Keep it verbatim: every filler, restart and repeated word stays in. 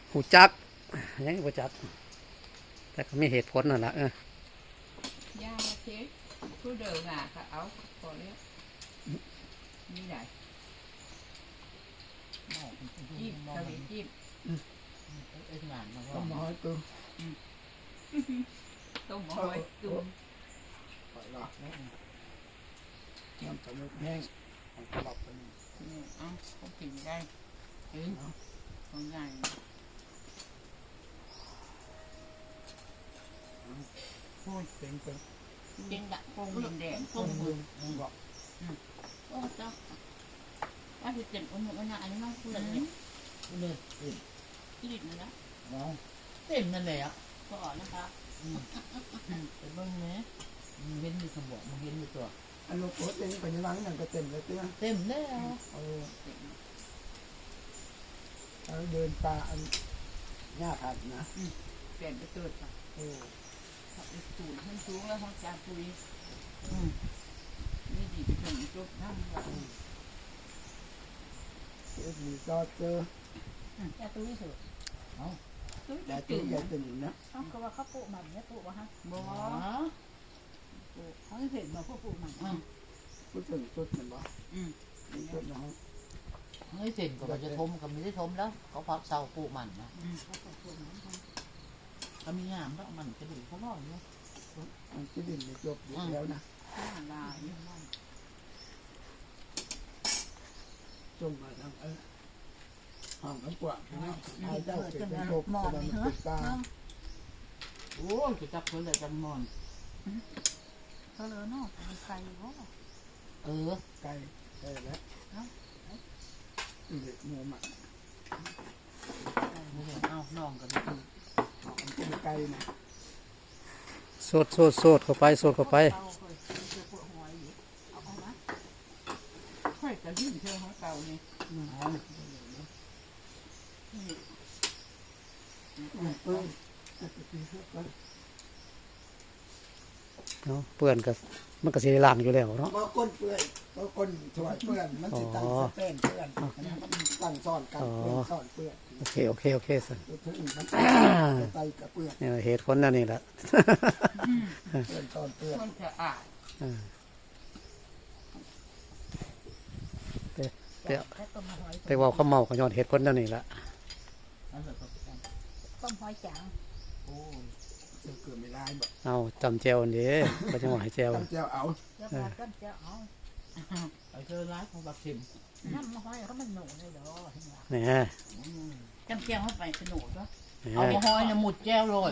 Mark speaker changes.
Speaker 1: หูจักยังหูจักแต่ก็มีเหตุผลนั่นแหละเอ
Speaker 2: อย่าเช็คผู้เดินหนาค่ะเอาพอแล้วนี่ไหนจิ้มทะเลจิ้มเอ็นหวานมาว่าต้มหอยตุ้มต้มหอยตุ้มหอยหลอดแม่น้ำตาลแห้งตลอดไปนี่เอ้าเขากินได้เอ้ยของใหญ่พูดเป็นเป็นเก่งดักโป่งดินแดงโป่งมือมึงบอกโอ้เจ้าถ้าคือเจ็บอุ่นอุ่นอันนี้น้องพูดเลยเลยติดนะนะน้องเต็มนั่นแหละก็อ่อนนะคะแต่เบิ้งเนี้ยมึงเห็นมีคำบอกมึงเห็นมีตัวอันลูกโคตรเองไปยังไงนั่นก็เต็มเลยเตี้ยเต็มแล้วเออเราเดินป่าอันหญ้าผัดนะเปลี่ยนไปเกิดค่ะโอ้สูงขึ้นสูงแล้วเขาจะปุยนี่ดีไปถึงจุดนั่งแบบเจอดีก็เจอจะตุ้ยสุดเอาตุ้ยตุ้ยใหญ่ตื่นนะเขาก็ว่าเขาปลูกมันเนี่ยปลูกวะฮะบ่ปลูกเขาเห็นมาพวกปลูกมันพูดถึงจุดมันบ่อืมจุดเนาะเฮ้ยเต็มก็จะทมก็ไม่ได้ทมแล้วเขาพักเสาปลูกมันนะก็มีงามแล้วมันจะดีเขาล่ออยู่มันจะดินจบแล้วนะจงมาทางเออห้องน้ำกว่านะไอ้เจ้าเกิดเป็นโรคมอนเหรอโอ้จะจับคนเลยจันมอนเขาเลยเนาะไก่วะเออไก่ไก่แล้วเด็กโมมันเอาน้องกันคือเป็นไก่นะ
Speaker 1: โซดโซดโซดเข้าไปโซดเข้าไป
Speaker 2: ค่อยจะยื่นเชื่อของเก่านี่
Speaker 1: เนาะเปื่อนกับมันก็สีล่างอยู่แล้วเนาะ
Speaker 3: บางคนเปื่อยบางคนถอยเปื่อนมันจะตั้งสเต้นเปื่อนตั้งซ่อนกันเปื่อนซ่อนเปื่อน
Speaker 1: โอเคโอเคโอเคสิ
Speaker 3: ไตกับเปื่อน
Speaker 1: เนี่ยเหตุผลนั่นนี่แหละ
Speaker 3: เปื่อนซ่อนเปื่อน
Speaker 2: คนจะอ่าน
Speaker 1: ไปไปว่าเขาเมาเขาย้อนเหตุผลนั่นนี่แหละ
Speaker 2: ต้มหอยจาง
Speaker 3: โอ้จะเกิดไม่ได้บ่
Speaker 1: เอาจำเจวนี่ก็จะหวายเจว
Speaker 3: จำเจวเอา
Speaker 2: จำเจวเอาไอ้เธอร้ายของบักชิมน้ำหอยเขามันหนูเลยดอ
Speaker 1: เนี่ย
Speaker 2: จำเจวเข้าไปสนุกด้วยเอาหอยเนี่ยหมุดแก้วโรย